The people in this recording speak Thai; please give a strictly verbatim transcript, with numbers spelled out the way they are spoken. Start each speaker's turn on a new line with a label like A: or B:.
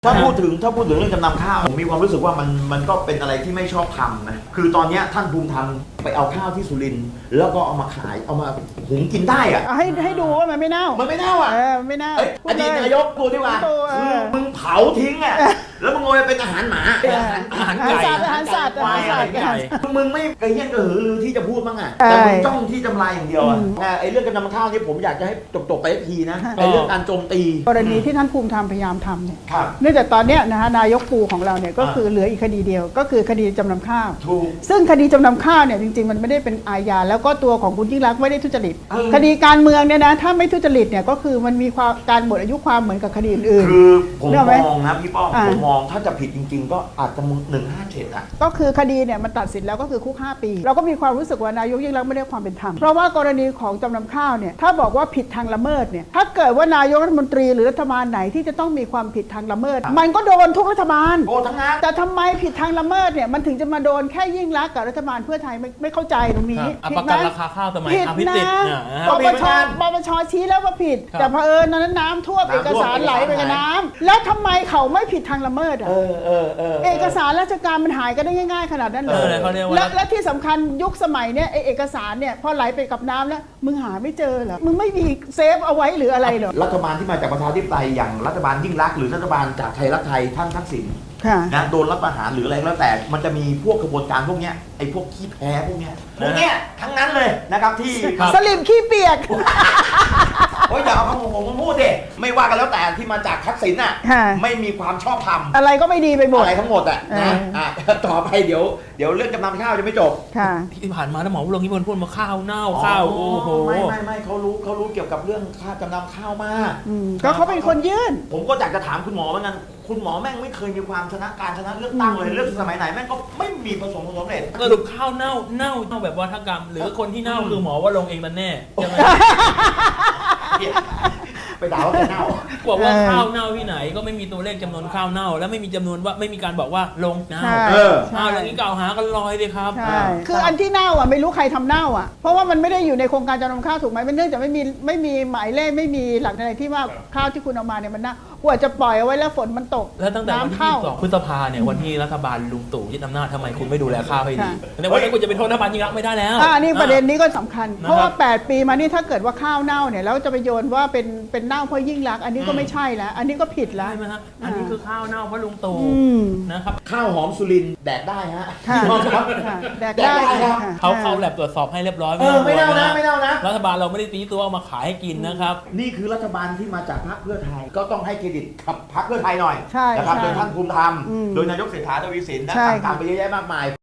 A: ถ้าพูดถึงถ้าพูดถึงเรื่องจำนำข้าวผมมีความรู้สึกว่ามันมันก็เป็นอะไรที่ไม่ชอบทำนะคือตอนนี้ท่านภูมิธรรมไปเอาข้าวที่สุรินทร์แล้วก็เอามาขายเอามาหุงกินได้อะ
B: ให้ให้ดูว่ามันไม่เน่า
A: มันไม่เน่าอ่ะ
B: เออไม่เน่า
A: อดีตนายกพูดดีกว่า
B: พูดเอ
A: คือ
B: อ
A: มึงเผาทิ้งอ่ะแล้วมึงโอยเป็นอาหารหมาอาหารอาหาร
B: อาหาร
A: ไก่
B: สัตว์อาหารสัตว์
A: ควายอะไร
B: อาหารสัตว์
A: เงี้ยมึงไม่กระเฮี้ยนกระหือรือที่จะพูดบ้างอ่ะ
B: ใช่
A: แต่มึงจ้องที่จำลายอย่างเดียวอ่ะ
B: อืม
A: แต่ไอ้เรื่องการจำข้าวนี่ผมอยากจะให้จบๆไปทีนะ
B: ค่ะ
A: ไอ้เรื่องการโจมตี
B: กรณีที่ท่านภูมิธรรมพยายามทำเนี่ย
A: ครับ
B: เนื่องจากตอนเนี้ยนะฮะนายกปูของเราเนี่ยก็
A: อ่า
B: คือเหลืออีกคดีเดียว ก็คือคดีจำนำข้าว
A: ถูก
B: ซึ่งคดีจำนำข้าวเนี่ยจริงๆมันไม่ได้เป็นอาญาแล้วก็ตัวของคุณยิ่งรักษณ์ไม่ได้ทุจริต
A: เออ
B: คดีการเมืองเนี่ยนะถ้าไม่ทุจริตเนี่ยก็คือมันมีความการหมดอายุความเหมือนกับคดีอื่น
A: คือผม
B: เรื่องไหม
A: มองนะพี่ป้อม
B: อ่า
A: ผมมองถ้าจะผิดจริง ๆ ก็อาจจะหนึ่งห้าเจ็ดอ่ะ
B: ก็คือคดีเนี่ยมันตัดสินแล้วก็คือคุกห้าปี เราก็มีความรู้สึกว่านายกยิ่งรักษณ์ไม่ได้ความเป็นธรรมเพราะว่ากรณีของจำนำข้าวเนี่ยถ้าบอกว่าผิดทางละเมิดเนี่ยถ้าเกิดว่านายกรัฐมนตรีหรือรัฐบาลไหนที่จะต้องมีความผิดทางละเมิด มันก็โดนทุกรัฐบาล
A: โอ้ทั้งนั้น
B: แต่ทำไมผิดทางละเมิดเนี่ยมันถึงจะมาโดนแค่ยิ่งรักษณ์กับรัฐบาลเพื่อไทยไม่ไม่เข้าใจตรงนี้
C: ครับ
B: ผิ
C: ป
B: ด
C: ระ
B: ไหม
C: กันราคาข้าวสมัย
B: ผิด
C: อภิ
B: นะ
C: สิทธิ์เนี่ยนะ
B: ป
C: ฮะ
B: ปชปปชชี้แล้วว่าผิด
C: ครับ
B: แต่เผอิญตอนนั้นน้ำท่วม
A: น้ำท่วม
B: เอกสารไหลไปกับน้ำแล้วทำไมเขาไม่ผิดทางละเมิดอ่ะ
A: เออเออเออ
B: เอกสารราชการมันหายกันได้ง่ายๆขนาดนั้นเล
C: เออย อะไรเขาเรียกว่า
B: และและที่สำคัญยุคสมัยเนี่ยไอเอกสารเนี่ยพอไหลไปกับน้ำแล้วมึงหาไม่เจอเหรอมึงไม่มีเซฟเอาไว้หรืออะไรเหรอ
A: รัฐบาลที่มาจากประชาธิปไตยอย่างรัฐบาลยิ่งรักษณ์หรือรัฐบาลจากไทยรักไทยท่านทักษิณ
B: ค่ะ
A: นะโดนรัฐประหารหรืออะไรก็แล้วแต่มันจะมีพวกกระบวนการพวกเนี้ยไอ้พวกขี้แพ้พวกเนี้ยพวกเนี้ยทั้งนั้นเลยนะครับที่
B: สลิมขี้เปียก
A: โอ้ยอย่าเอาคำของผมมาพูดดิไม่ว่ากันแล้วแต่ที่มาจากทักษิณน่ะ
B: ค่ะ
A: ไม่มีความชอบธรรม
B: อะไรก็ไม่ดีไปหมด
A: อะไรทั้งหมดอ่ะนะ
B: เอออ่
A: อ่ะต่อไปเดี๋ยวเดี๋ยวเรื่องจำนำข้าวจะไม่จบ
B: ค่ะ
C: ที่ผ่านมานะหมอวรงค์ที่พูดมาข้าวเน่าข้าวโอ้โห
A: ไม่ไม่ไม่เขารู้เขารู้เกี่ยวกับเรื่องค่าจำนำข้าวมาก
B: อืมก็เขาเป็นคนยื่น
A: ผมก็อยากจะถามคุณหมอเหมือนกันคุณหมอแม่งไม่เคยมีความชนะการชนะเลือกตั้งเลยเลือกสมัยไหนแม่งก็ไม่มีประสบผลสำเร็จ
C: สรุปข้าวเน่าเน่าเน่าแบบวัฒกรรม หรือคนที่เน่าคือหมอว่าลงค์เองมันแน่ใช่ไหม
A: ไปด่าว่าแกเน่า
C: บอกว่า
B: เออ
C: ข้าวเน่าที่ไหนก็ไม่มีตัวเลขจำนวนข้าวเน่า และไม่มีจำนวนว่าไม่มีการบอกว่าลงเน่า
B: ใช่
A: เออ
B: ใช่
C: อ้าวอย่างนี้กล่าวหากันลอยเลยครับ
B: ใช่ คืออันที่เน่าอ่ะไม่รู้ใครทำเน่าอ่ะ เพราะว่ามันไม่ได้อยู่ในโครงการจำนำข้าวถูกไหมมันเนื่องจากไม่มีไม่มีหมายเลขไม่มีหลักอะไรที่ว่าข้าวที่คุณเอามาเนี่ยมันเน่ากว่าจะปล่อยเอาไว้แล้วฝนมันตก
C: แล้วตั้งแต่วัน
B: น้ำ
C: ที่
B: เข้า
C: ยี่สิบสองพฤษภาเนี่ยวันที่รัฐบาลลุงตู่ยึดอำนาจทำไมคุณไม่ดูแลข้าวให้ดี
B: ค่ะ
C: ในวันนี้คุณจะเป็นโทษรัฐบาลยิ่งรักษณ์ไม่ได้แล้ว
B: อ่านี่ประเด็นนี้ก็สำคัญ
C: นะครับ
B: เพราะว่า แปด ปีมานี่ถ้าเกิดว่าข้าวเน่าเนี่ยแล้วจะไปโยนว่าเป็นเป็นเน่าเพราะยิ่งรักษณ์อันนี้ก็ไม่ใช่แล้ว อันนี้ก็ผิดแล้ว
C: ใช่ไหมฮะอันนี้คือข้าวเน่าเพราะลุงตู่
B: อืม
C: นะครับ
A: ข้าวหอมสุรินทร์แดกได้ฮะ
B: ค่ะ
A: พี่น้องครับ
B: ค่ะแดก
A: แดก
B: ได้
A: ได้ครับ
B: ค่ะ
C: เขาเขาแลบตรวจสอบให้เรียบร้อย
A: เออไม่เน่านะ
C: ต้องกลัว
A: ไม่เน่านะ
C: รัฐบาลเราไม่ได้ตีตัวเอามาขายให้กินนะครับ
A: นี่คือรัฐบาลที่มาจากพรรคเพื่อไทย ก็ต้องให้เครดิตกับพรรคเพื่อไทยหน่อย
B: ใช่
A: นะครับ
B: ใช่
A: โดยท่านภูมิธรรม
B: อืม
A: โดยนายกเศรษฐาทวีสินและ
B: ใช่
A: ต่างๆไปเยอะแยะมากมาย